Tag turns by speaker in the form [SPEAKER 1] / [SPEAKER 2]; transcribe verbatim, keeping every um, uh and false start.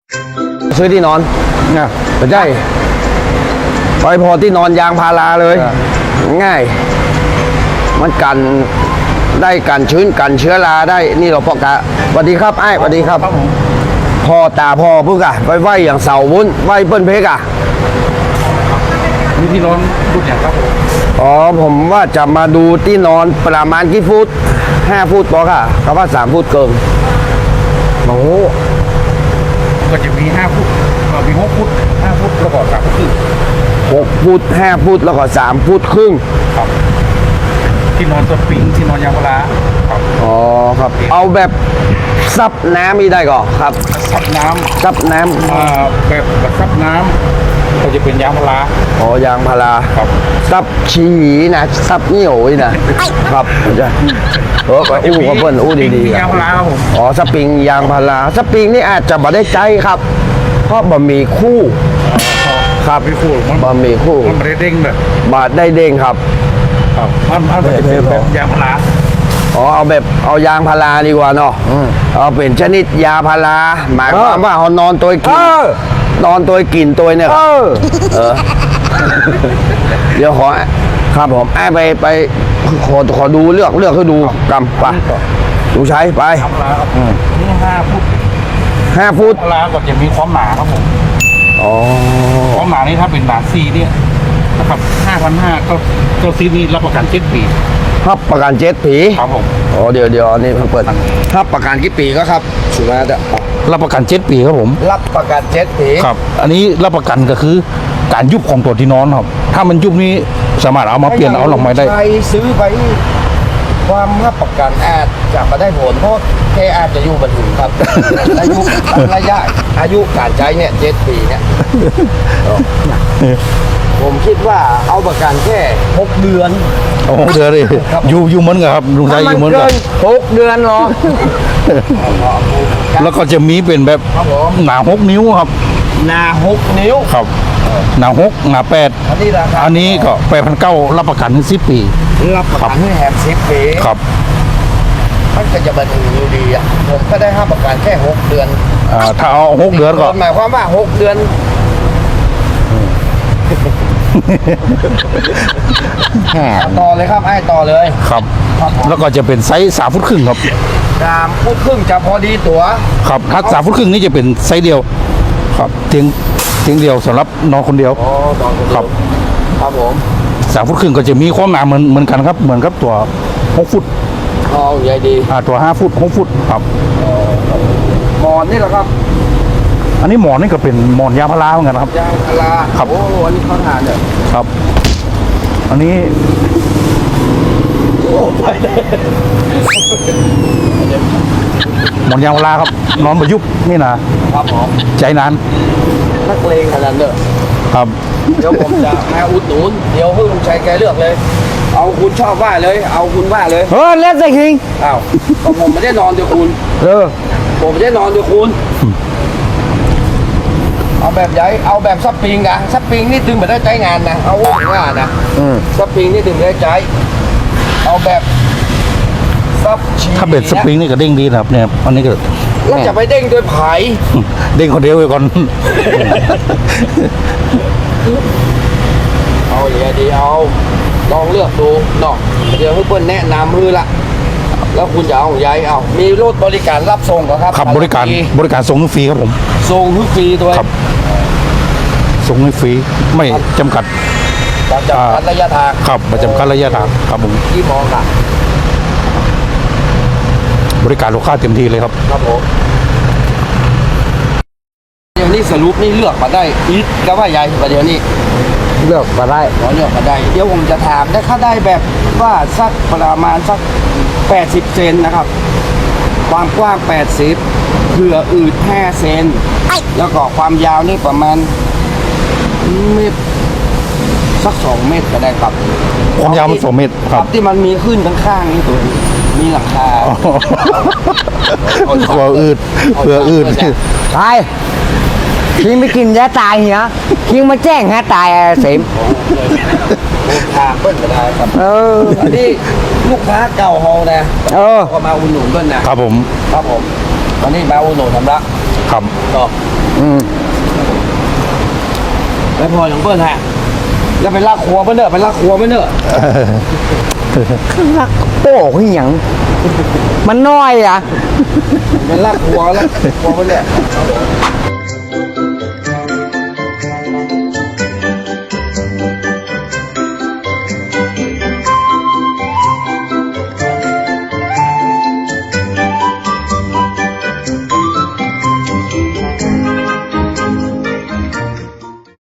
[SPEAKER 1] ซื้อที่นอนเนี่ยไม่ใช่ไปพอที่นอนยางพาราเลยง่ายมันกันได้กันชื้นกันเชื้อราได้นี่เราพอกะสวัสดีครับไอ้สวัสดีครับพ่อตาพ่อพึ่งอะไปไหวอย่างเสาวุ้นไหวเปิ้ลเพกอะ
[SPEAKER 2] มีที่นอนรุ่นไหนครับผม
[SPEAKER 1] อ๋อผมว่าจะมาดูที่นอนประมาณกี่ฟุตห้าฟุตพอค่ะเขาว่าสามฟุตเกินโอ้
[SPEAKER 2] ก็จะมีห้าฟุตมีหกฟุตห้าฟุตแล้วก็สามฟุตครึ่ง
[SPEAKER 1] หกฟุตห้าฟุตแล้วก็สามฟุตครึ่ง
[SPEAKER 2] ครับที่นอนสปริงที่นอนยางพาราครับ
[SPEAKER 1] อ๋อครับเอาแบบซับน้ำมีได้ก่อครับ
[SPEAKER 2] ซับน้ำ
[SPEAKER 1] ซับน้ำ
[SPEAKER 2] อ่าแบบแบบซับน้ำก็จะเป็นยางพารา
[SPEAKER 1] อ๋อยางพารา
[SPEAKER 2] ครับ
[SPEAKER 1] ซับชีนะซับเหนียวนะครับจะเอออู้กับเพื่อนอู้ดีๆ
[SPEAKER 2] ยางพาราครับผม
[SPEAKER 1] อ๋อสปริงยางพาราสปริงนี่อาจจะบ่ได้ใจครับเพราะบะหมี่คู่ครับ
[SPEAKER 2] ไม่คู่มัน
[SPEAKER 1] บะหมี่คู่
[SPEAKER 2] มันไม่ได้เด้งแบบ
[SPEAKER 1] บาดได้เด้งครับ
[SPEAKER 2] ครับมันมันจะเป็นแบบยางพารา
[SPEAKER 1] อ๋อเอาแบบเอายางพาราดีกว่าเนาะเอาเป็นชนิดยาพาราหมายความว่าเขานอนตัวกินนอนตัวกินตัวเนี่ยเออเดี๋ยวขอครับผมไอ้ไปไปขอขอดูเลือกเลือกให้ดูกำไปดูใช้ไป
[SPEAKER 2] นี่ห้าฟุต
[SPEAKER 1] ห้าฟุต
[SPEAKER 2] พาราก็จะมีความหนาครับผม
[SPEAKER 1] อ๋อ
[SPEAKER 2] ความหนานี่ถ้าเป็นหนาซีเนี่ยนะครับห้าพันห้าก็ตัวซีนี้รับประกันเจ็ดปี
[SPEAKER 1] รับประกันเจ็ดปี
[SPEAKER 2] ครับผม
[SPEAKER 1] อ๋อเดี๋ยวเดี๋ยวอันนี้เปิดรับประกันกี่ปีก็ครับสุนัข
[SPEAKER 2] รับประกันเจ็ดปีครับผม
[SPEAKER 1] รับประกันเจ็ดปี
[SPEAKER 2] ครับอันนี้รับประกันก็คือการยุบของตัวที่นอนครับถ้ามันยุบนี้สามารถเอามาเปลี่ยนเอาหลอกไม้ได้
[SPEAKER 1] ใครซื้อไปความรับประกันอาจจะมาได้ผลเพราะแค่อาจจะอยู่บันทึกครับอายุระยะอายุการใช้เนี่ยเจ็ดปีเนี่ยผมคิดว่าเอาประกันแค่หกเดือน
[SPEAKER 2] โอ้เดือนเลยอยู่อยู่เหมือนกันครับลุงชายอยู่เหมือนกัน
[SPEAKER 1] หกเดือนหรอ
[SPEAKER 2] แล้วก็จะมีเป็นแบบหนาหกนิ้วครับ
[SPEAKER 1] หนาหกนิ้ว
[SPEAKER 2] ครับหนาหกหนาแปดอันนี้ราคาอันนี้ก็แปดพันเก้ารับประกันสิบปี
[SPEAKER 1] รับประกันให้แถมสิบปี
[SPEAKER 2] ครับ
[SPEAKER 1] มันก็จะบันทึกอยู่ดีอ่ะผมก็ได้ห้าประกันแค่หกเดือน
[SPEAKER 2] อ่าถ้าเอาหกเดือนก็
[SPEAKER 1] หมายความว่าหกเดือนต่อเลยครับไอ้ต่อเลย
[SPEAKER 2] ครับแล้วก็จะเป็นไซส์สามฟุตครึ่งครับ
[SPEAKER 1] สามฟุตครึ่งจะพอดีตัว
[SPEAKER 2] ครับถ้าสามฟุตครึ่งนี่จะเป็นไซส์เดียวครับเตียงเตียงเดียวสำหรับนอนคนเดียว
[SPEAKER 1] อ๋อนอนคนเดียว
[SPEAKER 2] ครับ
[SPEAKER 1] ครับผม
[SPEAKER 2] สามฟุตครึ่งก็จะมีความหนาเหมือนเหมือนกันครับเหมือนกับตัวหกฟุต
[SPEAKER 1] อ๋อใหญ่ดี
[SPEAKER 2] อ่าตัวห้าฟุตหกฟุตครับ
[SPEAKER 1] หมอนนี่แหละครับ
[SPEAKER 2] อันนี้หมอนนี่ก็เป็นหมอนยางพาราเหมือนกันครับ
[SPEAKER 1] ยางพารา
[SPEAKER 2] ครับ
[SPEAKER 1] โอ้อันนี้เขาทานเนี่ย
[SPEAKER 2] ครับอันนี้หมอนยางพาราครับนอนประยุกต์นี่นะครับ
[SPEAKER 1] ผม
[SPEAKER 2] ใจนาน
[SPEAKER 1] นักเลงขนาดเนอะ
[SPEAKER 2] ครับ
[SPEAKER 1] เดี๋ยวผมจะมาอุดหนุนเดี๋ยวให้ลุงชัยแกเลือกเลยเอาคุณชอบว่าเลยเอาคุณว่าเลย
[SPEAKER 2] เออเล่นสิคิง
[SPEAKER 1] อ้าวก็ผมไม่ได้นอนด้วยคุณ
[SPEAKER 2] เออ
[SPEAKER 1] ผมไม่ได้นอนด้วยคุณเอาแบบใหญ่เอาแบบซับปิงนะซับปิงนี่ถึงไม่ได้ใจงานนะเอาว่านะซับปิงนี่ถึงได้ใจเอาแบบซับชี
[SPEAKER 2] ถ้าเบ็ดสปริงนี่ก็เด้งดีนะครับเนี่ยอันนี้ก็
[SPEAKER 1] แล้วจะไปเด้งด้วยไผ่
[SPEAKER 2] เด้งคนเดียวไปก่อน
[SPEAKER 1] เอาอย่างดีเอาลองเลือกดูเนาะเดี๋ยวให้เปิ้ลแนะนำมือละแล้วคุณจะเอาใหญ่เอามีรถบริการรับส่งเหรอครับ
[SPEAKER 2] ครับบริการบริการส่งฟรีครับผม
[SPEAKER 1] ส่งฟรีด้วย
[SPEAKER 2] ครับส่งฟรีไม่จำกัด
[SPEAKER 1] จำกัดระยะทาง
[SPEAKER 2] ครับไม่จำกัดระยะทางครับผม
[SPEAKER 1] ที่มองค่ะ
[SPEAKER 2] บริการลูกค้าเต็มที่เลยครับ
[SPEAKER 1] ครับผมเดี๋ยวนี้สรุปนี่เลือกมาได้อีกก็ว่าใหญ่ประเดี๋ยวนี้
[SPEAKER 2] เลือกมาได้
[SPEAKER 1] ขอเลือกมาได้เดี๋ยวผมจะถามได้ค่าได้แบบว่าสักประมาณสักแปดสิบเซนนะครับความกว้างแปดสิบเผื่ออืดห้าเซนแล้วก็ความยาวนี่ประมาณเมตรสักสองเมตรก็ได้ครับ
[SPEAKER 2] ความยาวมันสองเมตร
[SPEAKER 1] ครับที่มันมีขึ้นข้างๆนี่ตัวมีหลังคา
[SPEAKER 2] เผื่ออืดเผื่ออืด
[SPEAKER 3] ไปคิงไม่กินยาตายเหรอคิงมาแจ้งฮะตายเสม
[SPEAKER 1] ทางเปิ้ลก็ได้ครับเอออันนี้ลูกค้าเก่าเฮานะเออก็มาอุดหนุนเปิ้ลนะครับ
[SPEAKER 2] ผม
[SPEAKER 1] ครับผมตอนนี้มาอุดหนุนทำละ
[SPEAKER 2] ครับ
[SPEAKER 1] ก็แล้วพออย่างเปิ้ลฮะแล้วไปลากครัวมันเนอะไปลากครัวมันเนอะ
[SPEAKER 3] รักโป้คือหยังมันน้อยอ่ะ
[SPEAKER 1] ไปลากครัวแล้วครัวมันเนี่ย